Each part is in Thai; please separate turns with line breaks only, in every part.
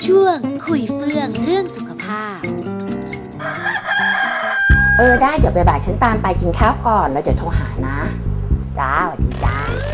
ช่วงคุยเฟื่องเรื่องสุขภาพ
ได้เดี๋ยวบ่ายๆฉันตามไปกินข้าวก่อนแล้วเดี๋ยวโทรหานะจ้าสวัสดีจ้า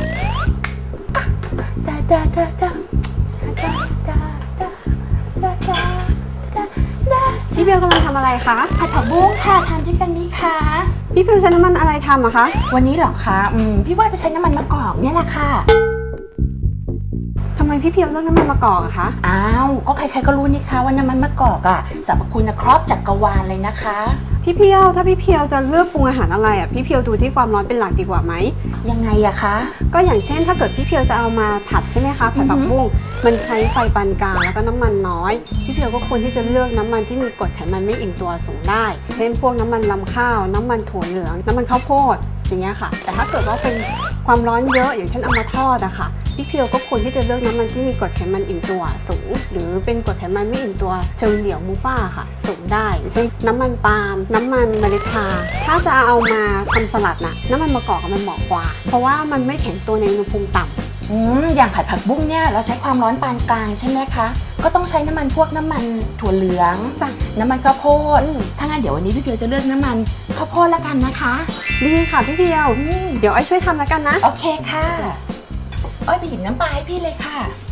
พี่เพียวกำลังทำอะไรคะ
ผัดผักบุ้งค่ะทานด้วยกันไหมคะ
พี่เพียวใช้น้ำมันอะไรทำอะคะ
วันนี้เหรอคะพี่ว่าจะใช้น้ำมันมะกอกเนี่ยแหละค่ะ
ทำไมพี่เพียวเลือกน้ำมันมะกอกอะคะ
อ้าวก็ใครๆก็รู้นี่คะว่าน้ำมันมะกอกอะสรรพคุณครอบจักรวาลเลยนะคะ
พี่เพียวถ้าพี่เพียวจะเลือกปรุงอาหารอะไรอะพี่เพียวดูที่ความร้อนเป็นหลักดีกว่าไหม
ยังไงอะคะ
ก็อย่างเช่นถ้าเกิดพี่เพียวจะเอามาผัดใช่ไหมคะผัดผักบุ้งมันใช้ไฟปานกลางแล้วก็น้ำมันน้อยพี่เพียวก็ควรที่จะเลือกน้ำมันที่มีกรดไขมันไม่อิ่มตัวสูงได้เช่นพวกน้ำมันรำข้าวน้ำมันถั่วเหลืองน้ำมันข้าวโพดอย่างเงี้ยค่ะแต่ถ้าเกิดว่าเป็นความร้อนเยอะอย่างเช่นเอามาทอดอะค่ะพี่เพียวก็ควรที่จะเลือกน้ำมันที่มีกรดไขมันอิ่มตัวสูงหรือเป็นกรดไขมันไม่อิ่มตัวเชลเหลียวมูฟ่าค่ะสูงได้เช่นน้ำมันปาล์มน้ำมันเมล็ดชาถ้าจะเอามาทำสลัดน่ะน้ำมันมะกอกมันเหมาะกว่าเพราะว่ามันไม่แข็งตัวในอุณหภูมิต่ำ
อย่างผัดผักบุ้งเนี่ยเราใช้ความร้อนปานกลางใช่ไหมคะก็ต้องใช้น้ำมันพวกน้ำมันถั่วเหลือง
จ้ะ
น้ำมันข้าวโพดถ้างั้นเดี๋ยววันนี้พี่เพียวจะเลือกน้ำมันข้าวโพดละกันนะคะ
ดีค่ะพี่เพียวเดี๋ยวไอ้ช่วยทำแล้วกันนะ
โอเคค่ะอ้อยไปหยิบน้ำปลาให้พี่เลยค่ะ